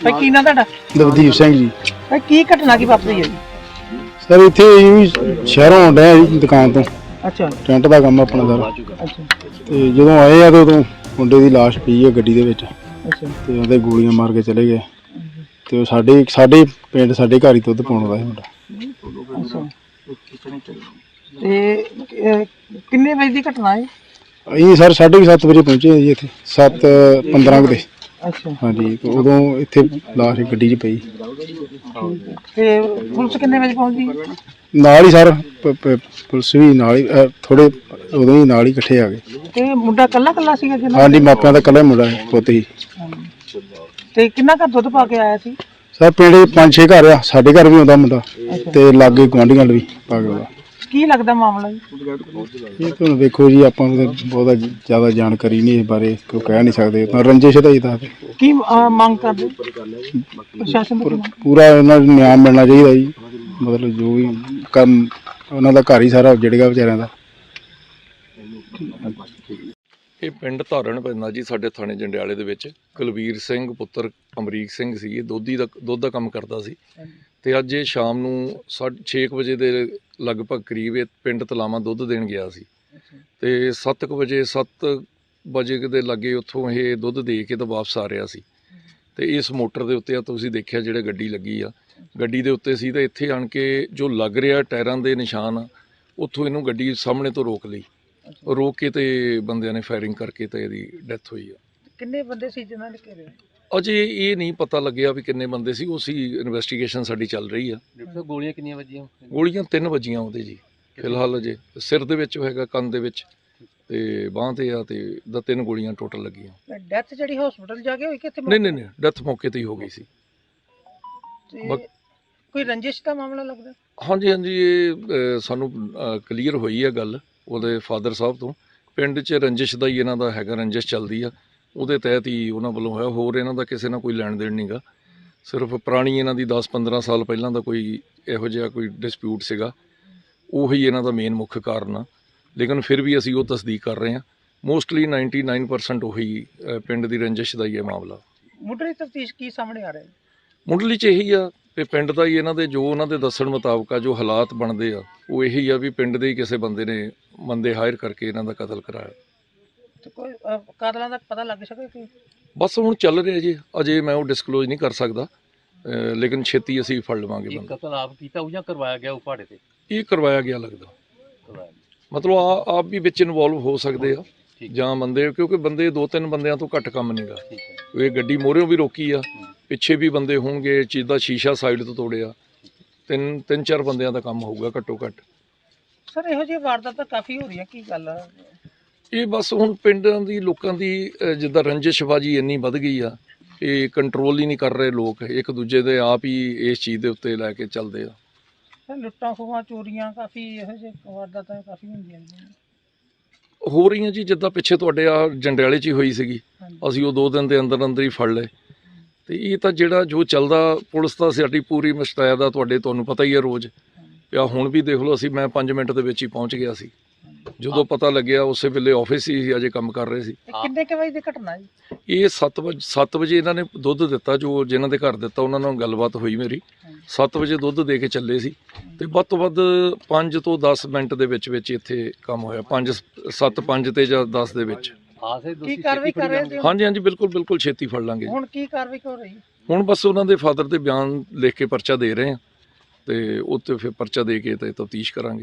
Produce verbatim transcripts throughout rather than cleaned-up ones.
ਭਾਈ ਕੀ ਨਾਂ ਤੁਹਾਡਾ? ਦਵਦੀਪ ਸਿੰਘ ਜੀ। ਭਾਈ ਕੀ ਘਟਨਾ ਕੀ ਵਾਪਰੀ ਹੈ ਜੀ? ਸਰ ਇੱਥੇ ਸ਼ਹਿਰੋਂ ਆਉਂਦੇ ਆ ਦੁਕਾਨ ਤੋਂ। ਅੱਛਾ। ਟੈਂਟ ਦਾ ਕੰਮ ਆਪਣਾ ਸਰ। ਅੱਛਾ। ਤੇ ਜਦੋਂ ਆਏ ਆ ਤੇ ਉਦੋਂ ਮੁੰਡੇ ਦੀ ਲਾਸ਼ ਪਈ ਆ ਗੱਡੀ ਦੇ ਵਿੱਚ। ਅੱਛਾ। ਤੇ ਉਹਦੇ ਗੋਲੀਆਂ ਮਾਰ ਕੇ ਚਲੇ ਗਏ। ਤੇ ਉਹ ਸਾਡੇ ਸਾਡੇ ਪਿੰਡ ਸਾਡੇ ਘਰ ਹੀ ਦੁੱਧ ਪਾਉਣ ਆਉਂਦਾ ਸੀ ਮੁੰਡਾ। ਅੱਛਾ। ਤੇ ਕਿੰਨੇ ਵਜੇ ਦੀ ਘਟਨਾ ਹੈ? ਅਸੀਂ ਸਰ ਸਾਢੇ ਸੱਤ ਵਜੇ ਪਹੁੰਚੇ ਜੀ ਇੱਥੇ, ਸੱਤ ਪੰਦਰਾਂ ਦੇ। ਅੱਛਾ। ਹਾਂਜੀ, ਉਦੋਂ ਇੱਥੇ ਲਾਸ਼ ਗੱਡੀ 'ਚ ਪਈ। ਤੇ ਪੁਲਿਸ ਕਿੰਨੇ ਵਜੇ ਪਹੁੰਚੀ? ਨਾਲ ਹੀ ਸਰ ਪੁਲਿਸ ਵੀ ਨਾਲ ਹੀ, ਥੋੜੇ ਉਦੋਂ ਹੀ ਨਾਲ ਹੀ ਇਕੱਠੇ ਆ ਗਏ। ਤੇ ਮੁੰਡਾ ਕੱਲਾ ਕੱਲਾ ਸੀਗਾ ਜਿਹਨਾਂ? ਹਾਂਜੀ, ਮਾਪਿਆਂ ਦਾ ਇਕੱਲਾ ਮੁੰਡਾ ਪੁੱਤ ਹੀ। ਤੇ ਕਿੰਨਾ ਘਰ ਦੁੱਧ ਪਾ ਕੇ ਆਇਆ ਸੀ? ਸਰ ਪਿੰਡ ਪੰਜ ਛੇ ਘਰ ਆ, ਸਾਡੇ ਘਰ ਵੀ ਆਉਂਦਾ ਮੁੰਡਾ ਤੇ ਲਾਗੇ ਗੁਆਂਢੀਆਂ ਵੀ ਪਾ ਕੇ ਆਉਂਦਾ। ਕੀ ਲੱਗਦਾ ਮਾਮਲਾ ਜੀ? ਇਹ ਤੁਹਾਨੂੰ ਵੇਖੋ ਜੀ, ਆਪਾਂ ਨੂੰ ਬਹੁਤਾ ਜ਼ਿਆਦਾ ਜਾਣਕਾਰੀ ਨਹੀਂ ਇਸ ਬਾਰੇ, ਕੋਈ ਕਹਿ ਨਹੀਂ ਸਕਦੇ। ਤਾਂ ਰੰਜਿਸ਼ ਦਾ ਹੀ ਦੱਸ। ਕੀ ਮੰਗ ਕਰਦੇ ਪ੍ਰਸ਼ਾਸਨ ਤੋਂ? ਪੂਰਾ ਉਹਨਾਂ ਨੂੰ ਨਿਆਂ ਮਿਲਣਾ ਚਾਹੀਦਾ ਜੀ। ਮਤਲਬ ਜੋ ਵੀ ਕੰਮ, ਉਹਨਾਂ ਦਾ ਘਰ ਹੀ ਸਾਰਾ ਉੱਜੜ ਗਿਆ ਵਿਚਾਰਿਆਂ ਦਾ। ਇਹ ਪਿੰਡ ਧਾਰਨ ਪੈਂਦਾ ਜੀ ਸਾਡੇ ਥਾਣੇ ਜੰਡਿਆਲੇ ਦੇ ਵਿੱਚ। ਕੁਲਵੀਰ ਸਿੰਘ ਪੁੱਤਰ ਅਮਰੀਕ ਸਿੰਘ ਸੀ, ਇਹ ਦੋਧੀ ਦਾ ਦੁੱਧ ਦਾ ਕੰਮ ਕਰਦਾ ਸੀ। ਤੇ ਅੱਜ ਇਹ ਸ਼ਾਮ ਨੂੰ ਸਾਢੇ ਛੇ ਕੁ ਵਜੇ ਦੇ ਲਗਭਗ ਕਰੀਬ ਇਹ ਪਿੰਡ ਤਲਾਵਾਂ ਦੁੱਧ ਦੇਣ ਗਿਆ ਸੀ। ਤੇ ਸੱਤ ਕੁ ਵਜੇ ਸੱਤ ਵਜੇ ਦੇ ਲਾਗੇ ਉੱਥੋਂ ਇਹ ਦੁੱਧ ਦੇ ਕੇ ਤਾਂ ਵਾਪਸ ਆ ਰਿਹਾ ਸੀ। ਤੇ ਇਸ ਮੋਟਰ ਦੇ ਉੱਤੇ ਆ ਤੁਸੀਂ ਦੇਖਿਆ ਜਿਹੜੇ ਗੱਡੀ ਲੱਗੀ ਆ, ਗੱਡੀ ਦੇ ਉੱਤੇ ਸੀ। ਤਾਂ ਇੱਥੇ ਆਣ ਕੇ ਜੋ ਲੱਗ ਰਿਹਾ ਟਾਇਰਾਂ ਦੇ ਨਿਸ਼ਾਨ, ਉੱਥੋਂ ਇਹਨੂੰ ਗੱਡੀ ਸਾਹਮਣੇ ਤੋਂ ਰੋਕ ਲਈ। ਰੋਕ ਕੇ ਤੇ ਬੰਦਿਆਂ ਨੇ ਫਾਇਰਿੰਗ ਕਰਕੇ ਤੇ ਇਹਦੀ ਡੈਥ ਹੋਈ ਆ। ਕਿੰਨੇ ਬੰਦੇ ਸੀ ਜਿਨ੍ਹਾਂ ਨੇ ਘੇਰਿਆ? ਅਜੇ ਇਹ ਨਹੀਂ ਪਤਾ ਲੱਗਿਆ ਵੀ ਕਿੰਨੇ ਬੰਦੇ ਸੀ, ਉਸੀ ਇਨਵੈਸਟੀਗੇਸ਼ਨ ਸਾਡੀ ਚੱਲ ਰਹੀ ਆ। ਗੋਲੀਆਂ ਕਿੰਨੀਆਂ ਵੱਜੀਆਂ? ਗੋਲੀਆਂ ਤਿੰਨ ਵੱਜੀਆਂ ਉਹਦੇ ਜੀ ਫਿਲਹਾਲ। ਅਜੇ ਸਿਰ ਦੇ ਵਿੱਚ ਹੈਗਾ, ਕੰਨ ਦੇ ਵਿੱਚ ਤੇ ਬਾਂਹ ਤੇ ਆ, ਤੇ ਦਾ ਤਿੰਨ ਗੋਲੀਆਂ ਟੋਟਲ ਲੱਗੀਆਂ। ਡੈਥ ਜਿਹੜੀ ਹਸਪੀਟਲ ਜਾ ਕੇ ਹੋਈ ਕਿੱਥੇ? ਨਹੀਂ ਨਹੀਂ ਨਹੀਂ, ਡੈਥ ਮੌਕੇ ਤੇ ਹੀ ਹੋ ਗਈ ਸੀ। ਕੋਈ ਰੰਜਿਸ਼ ਦਾ ਮਾਮਲਾ ਲੱਗਦਾ? ਹਾਂਜੀ ਹਾਂਜੀ, ਇਹ ਸਾਨੂੰ ਕਲੀਅਰ ਹੋਈ ਆ ਗੱਲ ਉਹਦੇ ਫਾਦਰ ਸਾਹਿਬ ਤੋਂ। ਪਿੰਡ 'ਚ ਰੰਜਿਸ਼ ਦਾ ਹੀ ਇਹਨਾਂ ਦਾ ਹੈਗਾ, ਰੰਜਿਸ਼ ਚੱਲਦੀ ਆ, ਉਹਦੇ ਤਹਿਤ ਹੀ ਉਹਨਾਂ ਵੱਲੋਂ ਹੋਇਆ। ਹੋਰ ਇਹਨਾਂ ਦਾ ਕਿਸੇ ਨਾਲ ਕੋਈ ਲੈਣ ਦੇਣ ਨਹੀਂ ਗਾ। ਸਿਰਫ ਪੁਰਾਣੀ ਇਹਨਾਂ ਦੀ ਦਸ ਪੰਦਰਾਂ ਸਾਲ ਪਹਿਲਾਂ ਦਾ ਕੋਈ ਇਹੋ ਜਿਹਾ ਕੋਈ ਡਿਸਪਿਊਟ ਸੀਗਾ, ਉਹੀ ਇਹਨਾਂ ਦਾ ਮੇਨ ਮੁੱਖ ਕਾਰਨ ਆ। ਲੇਕਿਨ ਫਿਰ ਵੀ ਅਸੀਂ ਉਹ ਤਸਦੀਕ ਕਰ ਰਹੇ ਹਾਂ। ਮੋਸਟਲੀ ਨਾਈਨਟੀ ਨਾਈਨ ਪਰਸੈਂਟ ਉਹੀ ਪਿੰਡ ਦੀ ਰੰਜਿਸ਼ ਦਾ ਹੀ ਇਹ ਮਾਮਲਾ। ਮੁੱਢਲੀ ਤਫਤੀਸ਼ ਕੀ ਸਾਹਮਣੇ ਆ ਰਿਹਾ? ਮੁੱਢਲੀ 'ਚ ਇਹੀ ਆ ਕਿ ਪਿੰਡ ਦਾ ਹੀ ਇਹਨਾਂ ਦੇ ਜੋ ਉਹਨਾਂ ਦੇ ਦੱਸਣ ਮੁਤਾਬਕ ਆ, ਜੋ ਹਾਲਾਤ ਬਣਦੇ ਆ, ਉਹ ਇਹੀ ਆ ਵੀ ਪਿੰਡ ਦੇ ਹੀ ਕਿਸੇ ਬੰਦੇ ਨੇ ਬੰਦੇ ਹਾਇਰ ਕਰਕੇ ਇਹਨਾਂ ਦਾ ਕਤਲ ਕਰਾਇਆ। ਤੇ ਕੋਈ ਕਾਤਲਾਂ ਦਾ ਪਤਾ ਲੱਗ ਸਕੇ ਕੋਈ? ਬਸ ਹੁਣ ਚੱਲ ਰਿਹਾ ਜੀ, ਅਜੇ ਮੈਂ ਉਹ ਡਿਸਕਲੋਜ਼ ਨਹੀਂ ਕਰ ਸਕਦਾ, ਲੇਕਿਨ ਛੇਤੀ ਅਸੀਂ ਫੜ ਲਵਾਂਗੇ ਬੰਦਾ। ਕਤਲ ਆਪ ਕੀਤਾ ਉਹ ਜਾਂ ਕਰਵਾਇਆ ਗਿਆ ਉਹ ਪਹਾੜੇ ਤੇ? ਇਹ ਕਰਵਾਇਆ ਗਿਆ ਲੱਗਦਾ। ਮਤਲਬ ਆ ਆਪ ਵੀ ਵਿੱਚ ਇਨਵੋਲਵ ਹੋ ਸਕਦੇ ਆ ਜਾਂ ਬੰਦੇ, ਕਿਉਂਕਿ ਬੰਦੇ ਦੋ ਤਿੰਨ ਬੰਦਿਆਂ ਤੋਂ ਘੱਟ ਕੰਮ ਨਹੀਂਗਾ। ਇਹ ਗੱਡੀ ਮੋਹਰਿਓਂ ਵੀ ਰੋਕੀ ਆ, ਪਿੱਛੇ ਵੀ ਬੰਦੇ ਹੋਣਗੇ, ਚੀਜ਼ ਦਾ ਸ਼ੀਸ਼ਾ ਸਾਈਡ ਤੋਂ ਤੋੜਿਆ, ਤਿੰਨ ਤਿੰਨ ਚਾਰ ਬੰਦਿਆਂ ਦਾ ਕੰਮ ਹੋਊਗਾ ਘੱਟੋ ਘੱਟ। ਸਰ ਇਹੋ ਜਿਹੀ ਵਾਰਦਾਤਾਂ ਕਾਫੀ ਹੋ ਰਹੀਆਂ, ਕੀ ਗੱਲ ਆ? ਇਹ ਬਸ ਹੁਣ ਪਿੰਡਾਂ ਦੀ ਲੋਕਾਂ ਦੀ ਜਿੱਦਾਂ ਰੰਜਿਸ਼ਬਾਜੀ ਇੰਨੀ ਵੱਧ ਗਈ ਆ, ਇਹ ਕੰਟਰੋਲ ਹੀ ਨਹੀਂ ਕਰ ਰਹੇ ਲੋਕ, ਇੱਕ ਦੂਜੇ ਦੇ ਆਪ ਹੀ ਇਸ ਚੀਜ਼ ਦੇ ਉੱਤੇ ਲੈ ਕੇ ਚੱਲਦੇ ਆ। ਲੁੱਟਾਂ ਖੋਹਾਂ ਚੋਰੀਆਂ ਕਾਫੀ ਇਹੋ ਜਿਹੇ ਵਾਰਦਾਤਾਂ ਕਾਫੀ ਹੁੰਦੀਆਂ ਨੇ ਹੋ ਰਹੀਆਂ ਜੀ। ਜਿੱਦਾਂ ਪਿੱਛੇ ਤੁਹਾਡੇ ਆ ਜੰਡਿਆਲੇ 'ਚ ਹੀ ਹੋਈ ਸੀਗੀ, ਅਸੀਂ ਉਹ ਦੋ ਦਿਨ ਦੇ ਅੰਦਰ ਅੰਦਰ ਹੀ ਫੜ ਲਏ। ਤੇ ਇਹ ਤਾਂ ਜਿਹੜਾ ਜੋ ਚੱਲਦਾ, ਪੁਲਿਸ ਤਾਂ ਸਾਡੀ ਪੂਰੀ ਮੁਸ਼ਤੈਦ ਆ, ਤੁਹਾਡੇ ਤੁਹਾਨੂੰ ਪਤਾ ਹੀ ਆ ਰੋਜ਼ ਪਿਆ। ਹੁਣ ਵੀ ਦੇਖ ਲਓ, ਅਸੀਂ ਮੈਂ ਪੰਜ ਮਿੰਟ ਦੇ ਵਿੱਚ ਹੀ ਪਹੁੰਚ ਗਿਆ ਸੀ। ਜਦੋਂ ਪਤਾ ਲੱਗਿਆ ਉਸੇ ਵੇਲੇ ਆਫਿਸ ਹੀ ਅਜੇ ਕੰਮ ਕਰ ਰਹੇ ਸੀ। ਕਿੰਨੇ ਕੁ ਵਜੇ ਦੀ ਘਟਨਾ ਜੀ? ਇਹ ਸੱਤ ਵਜੇ ਸੱਤ ਵਜੇ ਇਹਨਾਂ ਨੇ ਦੁੱਧ ਦਿੱਤਾ, ਜੋ ਜਿਨ੍ਹਾਂ ਦੇ ਘਰ ਦਿੱਤਾ ਉਹਨਾਂ ਨਾਲ ਗੱਲਬਾਤ ਹੋਈ ਮੇਰੀ। ਸੱਤ ਵਜੇ ਦੁੱਧ ਦੇ ਕੇ ਚੱਲੇ ਸੀ ਤੇ ਵੱਧ ਤੋਂ ਵੱਧ ਪੰਜ ਤੋਂ ਦਸ ਮਿੰਟ ਦੇ ਵਿੱਚ ਵਿੱਚ ਇੱਥੇ ਕੰਮ ਹੋਇਆ। ਪੰਜ ਸੱਤ ਪੰਜ ਤੇ ਜਾਂ ਦਸ ਦੇ ਵਿੱਚ। ਕੀ ਕਾਰਵਾਈ ਕਰ ਰਹੇ ਹੋ? ਹਾਂਜੀ ਹਾਂਜੀ, ਬਿਲਕੁਲ ਬਿਲਕੁਲ ਛੇਤੀ ਫੜ ਲਾਂਗੇ। ਹੁਣ ਕੀ ਕਾਰਵਾਈ ਹੋ ਰਹੀ? ਹੁਣ ਬਸ ਉਹਨਾਂ ਦੇ ਫਾਦਰ ਦੇ ਬਿਆਨ ਲਿਖ ਕੇ ਪਰਚਾ ਦੇ ਰਹੇ ਆ, ਤੇ ਉੱਤੇ ਫਿਰ ਪਰਚਾ ਦੇ ਕੇ ਤੇ ਤਫਤੀਸ਼ ਕਰਾਂਗੇ।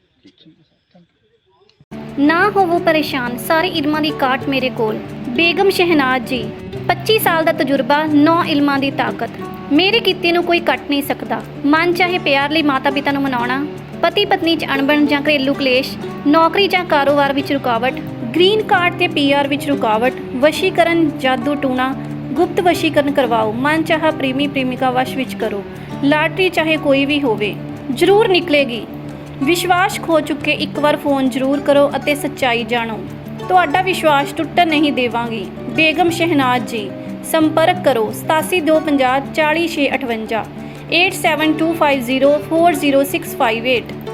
ਨਾ ਹੋਵੋ ਪਰੇਸ਼ਾਨ, ਸਾਰੇ ਇਲਮਾਂ ਦੀ ਕਾਟ ਮੇਰੇ ਕੋਲ। ਬੇਗਮ ਸ਼ਹਿਨਾਜ਼ ਜੀ, ਪੱਚੀ ਸਾਲ ਦਾ ਤਜਰਬਾ, ਨੌ ਇਲਮਾਂ ਦੀ ਤਾਕਤ। ਮੇਰੇ ਕੀਤੇ ਨੂੰ ਕੋਈ ਕੱਟ ਨਹੀਂ ਸਕਦਾ। ਮਨ ਚਾਹੇ ਪਿਆਰ ਲਈ ਮਾਤਾ ਪਿਤਾ ਨੂੰ ਮਨਾਉਣਾ, ਪਤੀ ਪਤਨੀ 'ਚ ਅਣਬਣ ਜਾਂ ਘਰੇਲੂ ਕਲੇਸ਼, ਨੌਕਰੀ ਜਾਂ ਕਾਰੋਬਾਰ ਵਿੱਚ ਰੁਕਾਵਟ, ਗ੍ਰੀਨ ਕਾਰਡ ਤੇ ਪੀ ਆਰ ਵਿੱਚ ਰੁਕਾਵਟ, ਵਸ਼ੀਕਰਨ, ਜਾਦੂ ਟੂਣਾ, ਗੁਪਤ ਵਸ਼ੀਕਰਨ ਕਰਵਾਓ। ਮਨ ਚਾਹਾ ਪ੍ਰੇਮੀ ਪ੍ਰੇਮਿਕਾ ਵਸ਼ ਵਿੱਚ ਕਰੋ। ਲਾਟਰੀ ਚਾਹੇ ਕੋਈ ਵੀ ਹੋਵੇ, ਜ਼ਰੂਰ ਨਿਕਲੇਗੀ। ਵਿਸ਼ਵਾਸ ਖੋ ਚੁੱਕੇ ਇੱਕ ਵਾਰ ਫੋਨ ਜ਼ਰੂਰ ਕਰੋ ਅਤੇ ਸੱਚਾਈ ਜਾਣੋ। ਤੁਹਾਡਾ ਵਿਸ਼ਵਾਸ ਟੁੱਟਣ ਨਹੀਂ ਦੇਵਾਂਗੀ। ਬੇਗਮ ਸ਼ਹਿਨਾਜ਼ ਜੀ, ਸੰਪਰਕ ਕਰੋ ਸਤਾਸੀ ਦੋ ਪੰਜਾਹ ਚਾਲੀ ਛੇ ਅਠਵੰਜਾ, eight seven two five zero four zero six five eight.